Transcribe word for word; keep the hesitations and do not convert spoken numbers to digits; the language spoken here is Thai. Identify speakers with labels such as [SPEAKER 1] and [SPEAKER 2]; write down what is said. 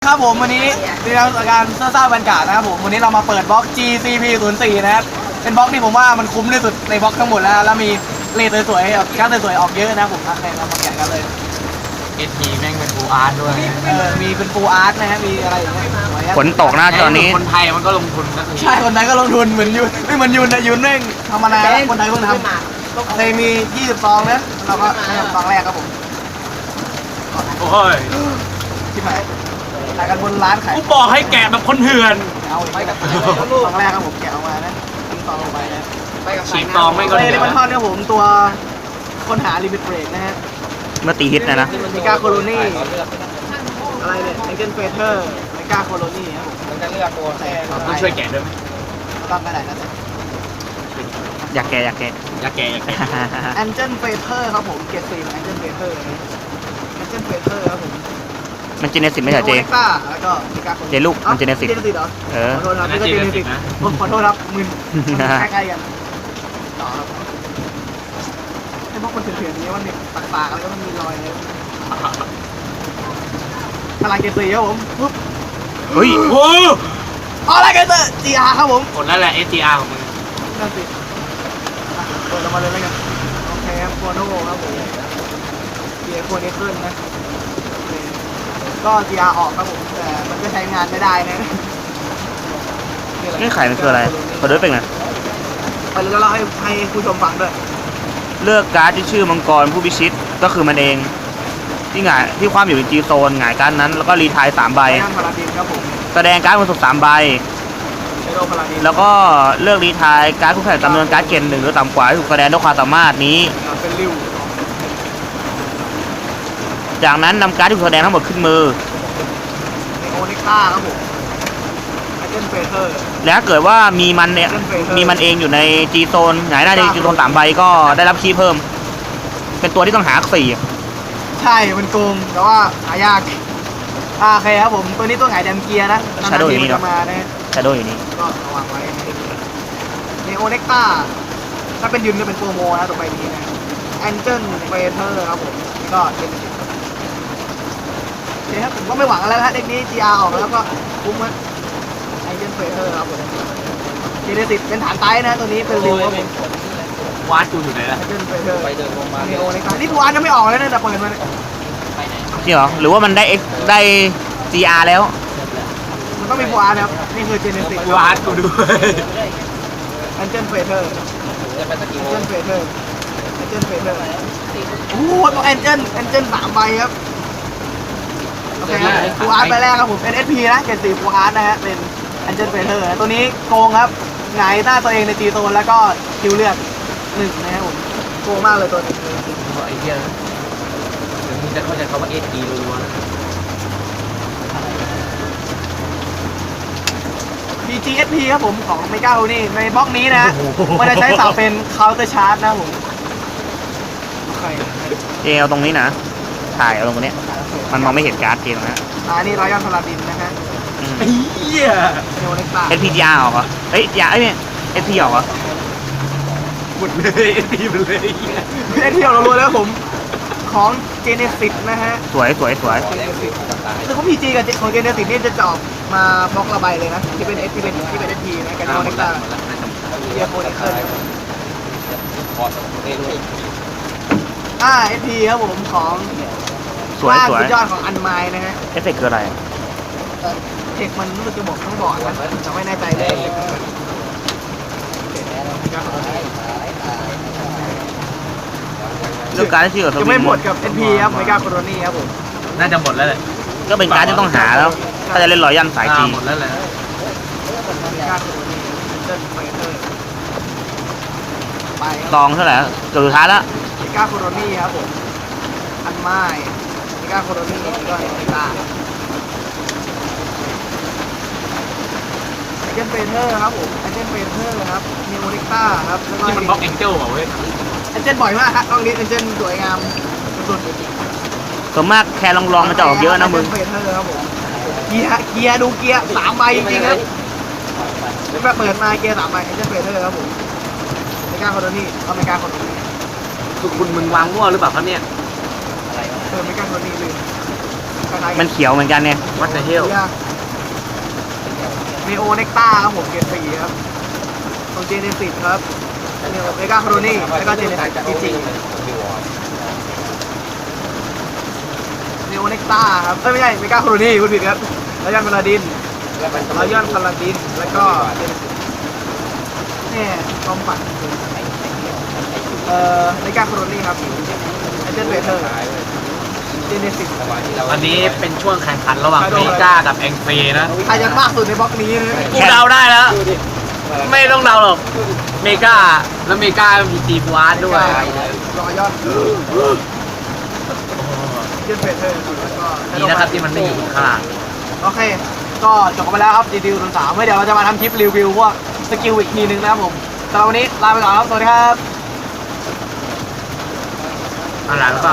[SPEAKER 1] ครับผมวันนี้ในการเสื้อซ่าบรรยากาศนะครับผมวันนี้เรามาเปิดบล็อก จี ซี พี ศูนย์ สี่ นะครับเป็นบล็อกที่ผมว่ามันคุ้มที่สุดในบล็อกทั้งหมดแล้วแล้วมีเลทสวยๆการ์ดสวยๆออกเยอะนะผมใครเรามาแกะกันเลย
[SPEAKER 2] เอทีแม่งเป็นฟูอาร์ตด้วย
[SPEAKER 1] เออมีเป็นฟูอาร์ตนะฮะมีอะไรอย่างเงี้ย
[SPEAKER 3] ฝนตกนะตอนนี้
[SPEAKER 2] คนไทยมันก็ลงทุนนะ
[SPEAKER 1] ใช่คนไทยก็ลงทุนเหมือนยุนไม่เหมือนยุนนะยุนเร่งทำมานานแล้วคนไทยเพิ่งทำเลยมียี่สิบซองนะเราก็ทำซองแรกครับผม
[SPEAKER 2] โอ้ย
[SPEAKER 1] ที่ไหนขายกันบนร้านขาย
[SPEAKER 2] กูบอกให้แกะแบบคนเถื่อน
[SPEAKER 1] เอาไปกับซองแรกครับผมแกะออกมานะทิ้งซองลงไปนะ
[SPEAKER 2] ฉีกซองไม่ก็
[SPEAKER 1] เลยมันทอดเนี่ยผมตัวคนหาลิมิตเบรกนะฮะ
[SPEAKER 3] เมื่อตีฮิตนะนะ
[SPEAKER 1] มิก้าโคโลนี่อะไรเนี่ยเอ็นเจนเฟเธอร์มิก้าโคโลนี่ครับผมมันจะเลือกตัวแทน
[SPEAKER 2] ต้องช่วยแกะด้วยไหม
[SPEAKER 1] ต้องไปไหนนะ
[SPEAKER 3] อยากแกะอยากแกะ
[SPEAKER 2] อยากแกะอยากแกะ
[SPEAKER 1] เอ็นเจนเฟเธอร์ครับผมเกรดสี่เอ็นเจนเฟเธอร์เอ็นเจนเฟเธอร์ครับผม
[SPEAKER 3] มันเจเนซิสไม่ใช่เจ
[SPEAKER 1] แล้วก็มิก้าโคโล
[SPEAKER 3] เจลูกมันเจเนซิส
[SPEAKER 1] เหรอ
[SPEAKER 3] เออ
[SPEAKER 1] ขอโทษครับนี่ก็เจเนซิสผมขอโทษครับมึนใกล้ๆกันต่อครับไอ้พวกคนเถื่อนๆนี้มันมีปากๆแล้วก็มันมีรอยเลยพลังเกตสี่ครับผมปุ๊บ
[SPEAKER 3] เฮ้ย
[SPEAKER 2] โอ้
[SPEAKER 1] อะไรเกตร์จีอาร์ครับผม
[SPEAKER 2] กดแล้วแหละ เอส จี อาร์ ของมึง
[SPEAKER 1] นั่นสิเปิดออกมาเลยแล้วกันโอเคครับโคโน่ครับผมเกียร์โคนี้ขึ้นนะก็จีอาร์ออกครับผมแต่มันก็ใช้งานไม่ได้นะ
[SPEAKER 3] นี่ไข่มันคืออะไรขอด้วยเป็นไง
[SPEAKER 1] ไปแล้วเราให้ให้ผู้ชมฟังด้วย
[SPEAKER 3] เลือกการ์ดที่ชื่อมังกรผู้พิชิตก็คือมันเองที่หงายที่ความอยู่ในจีโซนหงายการ์ดนั้นแล้วก็รีไทายสามใบแสดงการ์ดบนสุดสามใบแล้วก็เลือกรีไทายการ์ดคู่แข่งจำนวนการ์ดเกณฑ์หนึ่งหรือต่ำกว่าที่ถูกแสดงด้วยความสามารถนี้จากนั้นนำการ์ดที่ถูกแสดงทั้งหมดขึ้นมือ
[SPEAKER 1] โอนิก้าครับผมไอเจนเฟเธอร์
[SPEAKER 3] แล้วเกิดว่ามีมันเนี่ยมีมันเองอยู่ในจีโซนหงายหน้าในจีโซนสามใบก็ได้รับคีย์เพิ่มเป็นตัวที่ต้องหาสี่
[SPEAKER 1] ใช่มันโกงแต่ว่าหายากอ่าโอเคครับผมตัวนี้ตัวหงายแดมเกียร์นะ
[SPEAKER 3] ชาโดว์อยู่นี่
[SPEAKER 1] มานะ
[SPEAKER 3] ชาโดว์อยู่นี่
[SPEAKER 1] ก็ระวังไว้เนโอเน็กต้าถ้าเป็นยืนจะเป็นโปรโมนะตัวใบนี้นะแอนเจิลเฟเธอร์ครับผมก็เป็นโอเคครับผมก็ไม่หวังอะไรแล้วฮะเด็กนี้ จี อาร์ ออกแล้วก็คุ้มมั้ยแอนเจิลเฟเธอร์ครับผมเจเนซิสเป็นฐานไตนะตัวนี้เป็นริวครับผม
[SPEAKER 2] วาดกูอยู่ไหนล่ะ
[SPEAKER 1] แอนเจิลเฟเธอร์ไปเดินลงมาเนโอเน็กต้านี่กูอ่านยังไม่ออกเลยนะแต่เปิดมา
[SPEAKER 3] จริงเหรอหรือว่ามันได้เอ็กได้ จี อาร์ แล้ว
[SPEAKER 1] มันต้องมีฟูอาร์นะครับนี่คือเจเนซิส
[SPEAKER 2] ฟูอาร์กูด้วย
[SPEAKER 1] แอนเจนเฟเธอร์แอนเจนเฟเธอร์แอนเจนเฟเธอร์โอ้โหตัวแอนเจนแอนเจนสามใบครับโอเคครับฟูอาร์ไปแรกครับผมเป็น เอส พี นะเกรดสี่ฟูอาร์นะฮะเป็นแอนเจนเฟเธอร์ตัวนี้โกงครับหงายหน้าตัวเองในจีโซนแล้วก็คิวเลือดหนึ่งนะครับผมโกงมากเลยตัวนี้
[SPEAKER 2] ไอ้เหี้ยมึงจะเข้าใจคำว่า เอส พี รัวๆ
[SPEAKER 1] พี จี เอส พี ครับผมของเมกาโฮนี่ในบล็อกนี้นะมันจะใช้เสาเป็นเคาน์เตอร์ชาร์จนะผม
[SPEAKER 3] เจเอาตรงนี้นะถ่ายเอาตรงนี้มันมองไม่เห็นการ์ดเกมนะ
[SPEAKER 1] อ่านี่รอยยันพลาดินนะฮะ
[SPEAKER 2] ไอ้เหี้ย
[SPEAKER 1] เนโอเน็กต้า
[SPEAKER 3] เอส พี จี อาร์ ออกเหรอเฮ้ย จี อาร์ เอ้ย เอส พี ออกเหรอ
[SPEAKER 2] หมดเลยเอส พี มันเลย
[SPEAKER 1] เอส พี ออกรัวๆแล้วผมของเจเนซิสนะฮะ
[SPEAKER 3] สวยสวยสวย
[SPEAKER 1] คือเขาพีจีกับของเจเนซิสนี่จะจอบมาบล็อกระบายเลยนะที่เป็นเอสที่เป็นที่เป็นเอสพีนะกันโนเน็กต้าเดียโคเนเคิลอ่าเอสพีครับผมของ
[SPEAKER 3] สวยสวย
[SPEAKER 1] สุดยอดของอันไมล์นะฮะ
[SPEAKER 3] เอฟเฟกต์คืออะไร
[SPEAKER 1] เทคมันรู้สึกจะบอกทั้งบอร์ดนะแต่ไม่แน่ใจเลย
[SPEAKER 3] เรื่องการที่เกี่ยวกับ
[SPEAKER 1] จะไม่หมดกับ เอ็น พี ครับเมกาโคโรนี่ครับผม
[SPEAKER 2] น่าจะหมดแล้วเลย
[SPEAKER 3] ก็เป็นการที่ต้องหาแล้วถ้าจะเล่นรอยยันสายจี
[SPEAKER 2] หมดแล้วเลย
[SPEAKER 3] ตองเท่าไหร่เกือบสุดท้ายแล้ว
[SPEAKER 1] เมกาโคโรนี่ครับผมอันไม้เมกาโคโรนี่ก็เมกาไอเจนเฟเธอร์ครับผมไอเจนเฟเธอร์ครับนิโอนิต้าครับแล้วก็
[SPEAKER 2] ที่มันบล็อกแองเจิลเหรอเว้ย
[SPEAKER 1] เอเจนบ่อยมากครับตรงนี้เอเจนสวยงามสุด
[SPEAKER 3] ๆส่วนมากแค่ลองๆมันจะออกเยอะนะมึง
[SPEAKER 1] เกียร์เกียร์ดูเกียร์สามใบจริงๆครับเป็นแบบเปิดมาเกียร์สามใบเอเจนเฟเธอร์ครับผมไม่กล้าคนนี้เขาไม่กล้าคนนี้
[SPEAKER 2] คือคุณมึงวางมั่วหรือเปล่าครับเนี่ย
[SPEAKER 1] เออไม่กล้าคนนี้เลย
[SPEAKER 3] มันเขียวเหมือนกันเนี่ย
[SPEAKER 2] วัดเดอะเฮล
[SPEAKER 1] มีโอเน็กต้าครับผมเกรดสี่ครับของเจเนซิสครับเนโอเมกาโครนี่แล้วก็เจเนซิสจีจีเนโอเน็กต้าครับเอ้ยไม่ใช่เมกาโครนี่พูดผิดครับแล้วยันพาราดินแล้วยันพาราดินแล้วก็เนี่ยความฝันเอ่อเมกาโครนี่ครับไอเจนเวเทอร์เจเนซิส
[SPEAKER 2] อันนี้เป็นช่วงแข่งขันระหว่างเมกากับแองเฟนะ
[SPEAKER 1] ใครจะมากสุดในบล็อกนี้นะ
[SPEAKER 2] กูเดาได้แล้ว ไม่ต้องเดาหรอกเมกาแล้วเมกามีตีฟูอาร์ตด้วย
[SPEAKER 1] รอยอดเจนเวเทอร์แล้วก็
[SPEAKER 2] ดีนะครับที่มันไม่อยู่ข้างล่าง
[SPEAKER 1] โอเค ก็จบกันไปแล้วครับรีวิวรุ่นสามเดี๋ยวเราจะมาทำคลิปรีวิวพวกสกิลอีกทีนึงนะครับผมสำหรับวันนี้ลาไปก่อนครับ สวัสดีครับ
[SPEAKER 2] อะไรแล้วก็